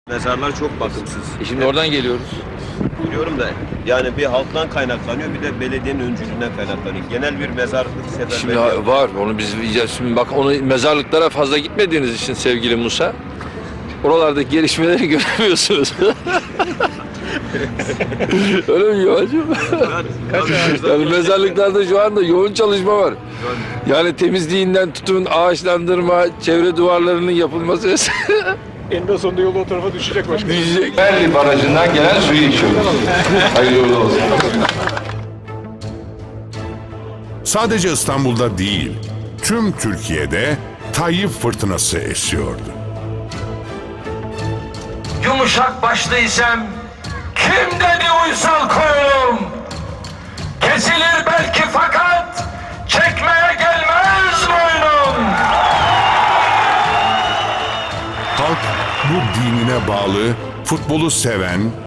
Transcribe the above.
Mezarlar çok bakımsız. Şimdi oradan geliyoruz. Biliyorum da yani bir halktan kaynaklanıyor bir de belediyenin öncülüğünden kaynaklanıyor. Genel bir mezarlık Şimdi seferberliği. var, onu biz şimdi bak onu mezarlıklara fazla gitmediğiniz için sevgili Musa, oralardaki gelişmeleri göremiyorsunuz. Öyle mi Yuvacığım? Yani mezarlıklarda şu anda yoğun çalışma var. Yani temizliğinden tutun, ağaçlandırma, çevre duvarlarının yapılması. Eninde sonunda yolu o tarafa düşecek başkanım. Düşecek. Berli Barajı'ndan gelen suyu içiyoruz. Hayırlı olsun. Sadece İstanbul'da değil, tüm Türkiye'de Tayyip fırtınası esiyordu. Yumuşak başlıysam kim dedi uysal koyunum? Kesilir belki fakat çekmeye gelmez boynum. Halk bu dinine bağlı, futbolu seven,